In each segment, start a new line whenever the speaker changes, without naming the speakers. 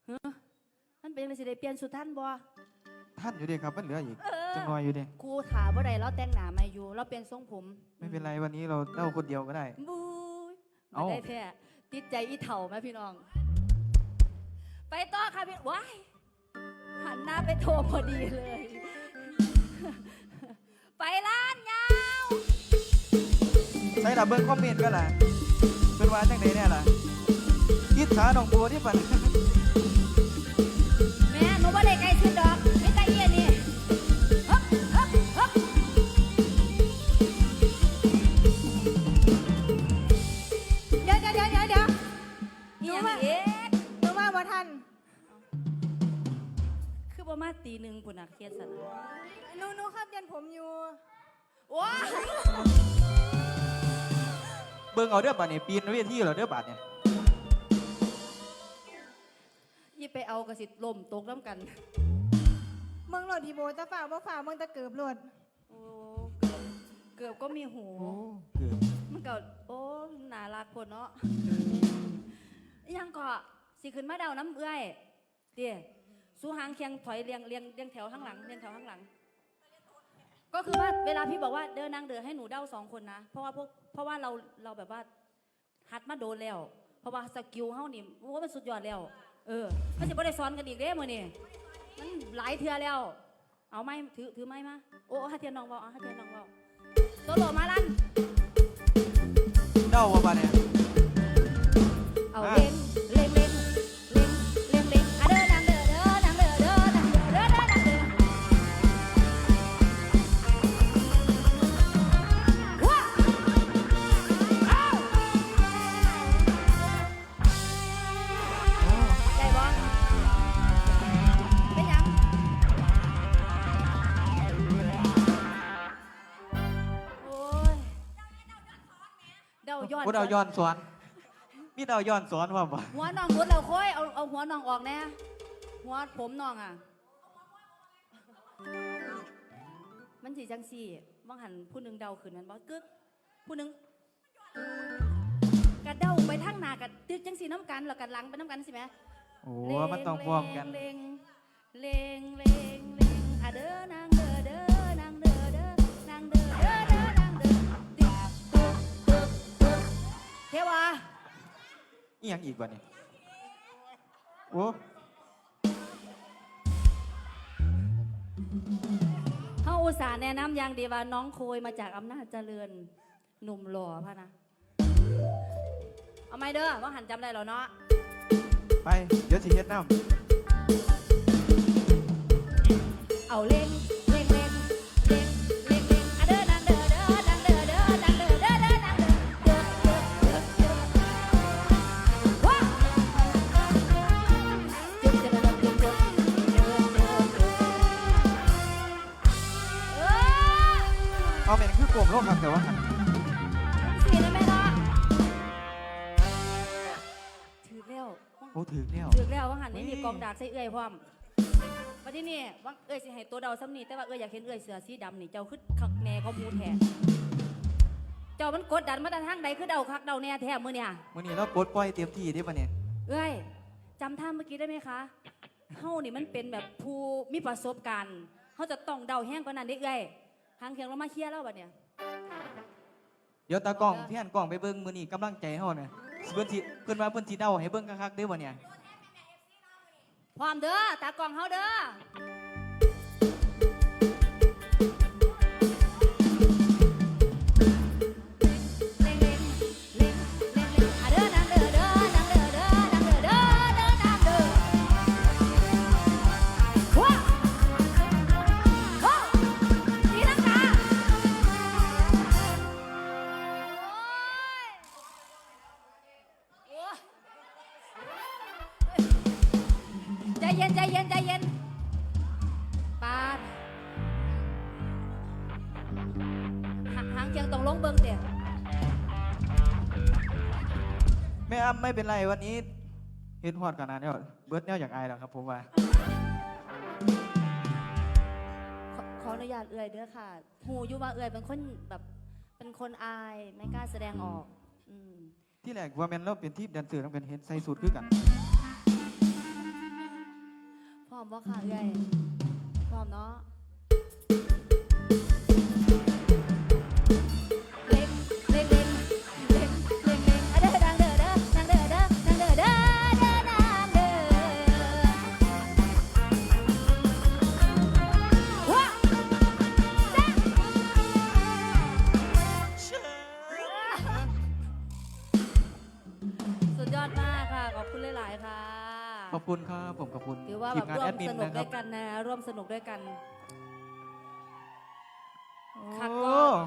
เฮ้อมันเป็นอะไรสิได้เปลี่ยนสุดท่านบ่
ท่านอยู่ดีครับมันเหลืออีกจังหน่อยอยู่ดี
ครูถามว่าใดเราแต่งหน้ามาอยู่เราเปลี่ยนทรงผม
ไม่เป็นไรวันนี้เราเล่าคนเดียวก็ได้
บู๊ย
เอ้า
ไม่ได้แท้ติดใจอีเถ่าไหมพี่น้อง ไปต่อค่ะพี่ว้ายหันหน้าไปโทรพอดีเลย ไปร้านยาว
ใส่ดับเบิลคอมเมนต์ก็ล่ะเป็นว่าจังไดเนี่ยล่ะอิจฉาน้องบัวที่ปั่น
แม่หนูว่าได้ไกลสุดดอกไม่ไกลเอียนี่ฮึบฮึบฮึบ
เดี๋ยว
อีหยังเอ๊ะ
หนูว่าบ่ทัน
คือประมาณตีหนึ่งปุ่นอะเครียดสันนะ
หนูครับเรียนผมอยู่
ว้าย
เบิ่งเอาเด้อบัดนี่ปีนเวทีเหรอเด้อบัดเนี่ย
ยี่ไปเอากระสิลมตกน้ำกัน
เมืองโหลดทีโบจะฝ่าบ่ฝ่าเมืองตะเกิบโหลด
โอ้เกือบก็มีหู
โอ้เกือบ
มันก็โอ้น่ารักคนเนาะยังก็สิขึ้นมาเดาน้ำเอื้อยเดี๋ยสู้หางเคียงถอยเรียงแถวข้างหลังเรียงแถวข้างหลัง ก็คือว่าเวลาพี่บอกว่าเดินนางเดินให้หนูเดา2 คนนะเพราะว่าเราแบบว่าหัดมาโดนแล้วเพราะว่าสกิลเฮานี่ว่ามันสุดยอดแล้วมันจะไม่ได้ซ้อนกันอีกเด้มื้อนี่มันหลายเทื่อแล้วเอาไม้ถือไม้มาโอ้ฮัทเทียนน้องเบาฮัทเทียนน้องเบาโซโล่มาลั่น
เด้าว่าบัดเนี่ย
เอาเล่งเล่งเล่งเล่งเล่งเล่งอะเด้อนางเด้อเด้อนางเด้อเด้อนางเด้อเด้อนางเด้อว้าเอ้าได้บ่เป็นหยังโอ้ยเดาย้อน
บ่เดาย้อนสอนมีเดาย้อนสอนว่าบ่
หัวน้องรุดเราค่อยเอาหัวน้องออกแน่หัวผมน้องอ่ะ มันสีจังสี่ว่างหันผู้หนึ่งเดาขึ้นนั้นบอกกึกผู้หนึ่งกระเดาไปทางหน้ากับตึกจังสีน้ำกันแล้วกันหลังไปน้ำกันสิแม่
โอ้มันต้องพร้อมกัน
เลงเลงเลงเลงอะเด้อนางเด้อเด้อนางเด้อเด้อนางเด้อเด้อเด้อนางเด้อติ๊กตึกตึกตึกเทวา
อีหยังอีกบัดนี่โอ้
เฮาอุตส่าห์แนะนำอย่างดีว่าน้องโคยมาจากอำนาจเจริญหนุ่มหล่อพะนะเอาไม่เด้อว่าหันจำได้แล้วเนาะ
ไปเดี๋ยวสิเฮ็ดน้ำ
เอาเล่งเล่งเล่งเล่งเล่งเล่งอะเด้อนางเด้อเด้อนางเด้อเด้อนางเด้อเด้อเด้อนางเด้อเด้อเด้อเด้อเด้อว้าจึ๊บจึ๊บจึ๊บจึ๊บจึ๊บเด้อเด้อเด้อ
เอาแม่นคือกลมโลกครับแต่ว่าหัน
สีนะแม่เนาะถือแล้ว
โอ้ถึงแล้ว
ถือแล้วว่าหันนี่มีกองดากใส่เอื้อยพร้อมมาที่นี่ว่าเอื้อยสิให้ตัวเดาซ้ำนี่แต่ว่าเอื้อยอยากเห็นเอื้อยเสือสีดำนี่เจ้าคือคักแน่เขามูแท้เจ้ามันกดดันมาแต่ทางใดคือเดาคักเดาแน่แท้มื้อเนี่ย
มื้อนี้เราปลดปล่อยเต็มที่เด้บัดเนี่ย
เอ้ยจำท่าเมื่อกี้ได้ไหมคะเฮานี่มันเป็นแบบผู้มีประสบการณ์เฮาจะต้องเดาแห้งกว่านั้นเด้เอ้ยหางเคียงเรามาเคลียร์แล้วบัดเนี่ย
เดี๋ยวตากล้องพี่หันกล้องไปเบิ่งมื้อนี้กำลังใจเฮาเนี่ยเพิ่นว่าเพิ่นสิเดาให้เบิ่งคักๆเด้อบ่เนี่ย
พร้อมเด้อตากล้องเฮาเด้อเล่งเล่งเล่งเล่งเล่งอะเด้อนางเด้อเด้อนางเด้อเด้อนางเด้อเด้อเด้อนางเด้อว้าโอ้ตีลังกาโอ้ย ใจเย็นใจเย็นใจเย็นปาดหางเคียงตรงลงเบิ้งเดี๋ยว
แม่อ้ำไม่เป็นไรวันนี้เฮ็ดฮอดขนาดนี้แล้วเบิดแนวอยากอายแล้วครับผมว่า
ขออนุญาตเอื่อยเด้อค่ะหูอยู่ว่าเอื่อยเป็นคนแบบเป็นคนอายไม่กล้าแสดงออกอืม
ที่แรกว่าแม่นเราเป็นทีมแดนเซอร์ต้องเป็นเฮ็ดใส่สูทคือกัน
อมบ่ค่ะเอ้ยพร้อมเนาะเล็งเล็งเล็งเล็งเล็งเล็งอะเด้อดังเด้อเด้อดังเด้อเด้อดังเด้อเด้อเด้อดังเด้อว้าจ้าสุดยอดมากค่ะขอบคุณหลายๆค่ะ
ขอบคุณครับผมขอบคุณ
ถือว่า
ที
แบ
ม
บ
งาน
ร่ว
แอ
ม
ดมิน
สนุก
นะค
ด้
รั
ว
บ
ยกันนะร่วมสนุกด้วยกัน คัก
โอ้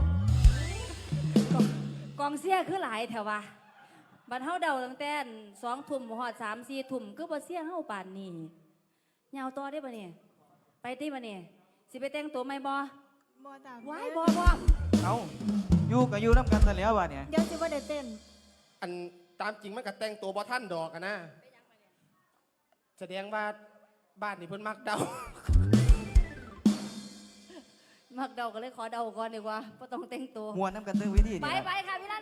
กองเสียคือหลายแถววะบัดเฮาเดาตั้งแต่2 ทุ่มหอด3 4 ทุ่มคือบ่เสียเฮาป่านนี้ยาวต่อได้บ่เนี่ยไปติบ่เนี่ยสิไปแต่งตัวใหม่บ่
บ่จ้า
ว้ายบ่
เอาอยู่กับอยู่น้ำกันซะแล้ววะเนี่ย
เดี๋ยวสิบ่ได้เต้น
อันตามจริงมันก็แต่งตัวบ่ท่านดอกอะนะแสดงว่าบ้านนี่เพิ่นมักเดา
มักเดาก็เลยขอเดาก่อนดีกว่าบ่ต้องแต่งตัว
มวนน้ำกันเรื่องวิธี
ไป
นี่
ไปค่ะพี่ลา